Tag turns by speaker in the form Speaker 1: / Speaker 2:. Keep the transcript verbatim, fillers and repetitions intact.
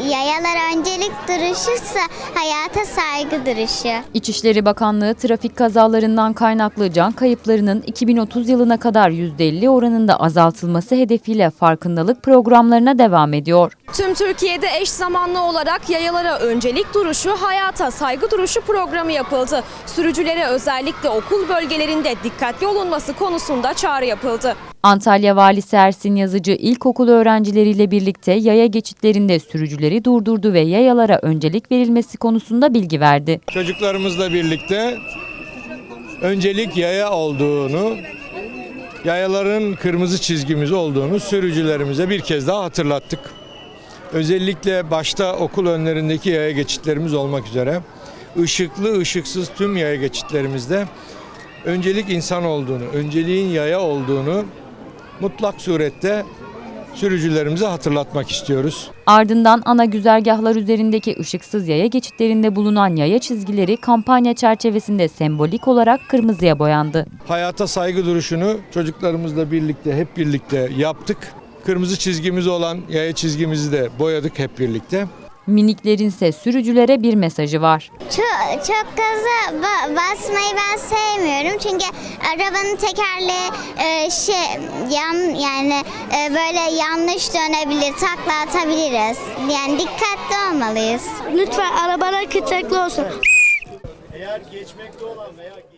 Speaker 1: Yayalar öncelik duruşuysa hayata saygı duruşu.
Speaker 2: İçişleri Bakanlığı trafik kazalarından kaynaklı can kayıplarının iki bin otuz yılına kadar yüzde elli oranında azaltılması hedefiyle farkındalık programlarına devam ediyor.
Speaker 3: Tüm Türkiye'de eş zamanlı olarak yayalara öncelik duruşu, hayata saygı duruşu programı yapıldı. Sürücülere özellikle okul bölgelerinde dikkatli olunması konusunda çağrı yapıldı.
Speaker 2: Antalya Valisi Ersin Yazıcı ilkokul öğrencileriyle birlikte yaya geçitlerinde sürücüleri durdurdu ve yayalara öncelik verilmesi konusunda bilgi verdi.
Speaker 4: Çocuklarımızla birlikte öncelik yaya olduğunu, yayaların kırmızı çizgimiz olduğunu sürücülerimize bir kez daha hatırlattık. Özellikle başta okul önlerindeki yaya geçitlerimiz olmak üzere ışıklı ışıksız tüm yaya geçitlerimizde öncelik insan olduğunu, önceliğin yaya olduğunu mutlak surette sürücülerimize hatırlatmak istiyoruz.
Speaker 2: Ardından ana güzergahlar üzerindeki ışıksız yaya geçitlerinde bulunan yaya çizgileri kampanya çerçevesinde sembolik olarak kırmızıya boyandı.
Speaker 4: Hayata saygı duruşunu çocuklarımızla birlikte hep birlikte yaptık. Kırmızı çizgimiz olan yaya çizgimizi de boyadık hep birlikte.
Speaker 2: Miniklerin ise sürücülere bir mesajı var.
Speaker 1: Çok, çok gaza ba- basmayı ben sevmiyorum çünkü arabanın tekerleği e, şey yan yani e, böyle yanlış dönebilir, takla atabiliriz. Yani dikkatli olmalıyız.
Speaker 5: Lütfen arabalar dikkatli olsun.
Speaker 6: Eğer geçmekte olan veya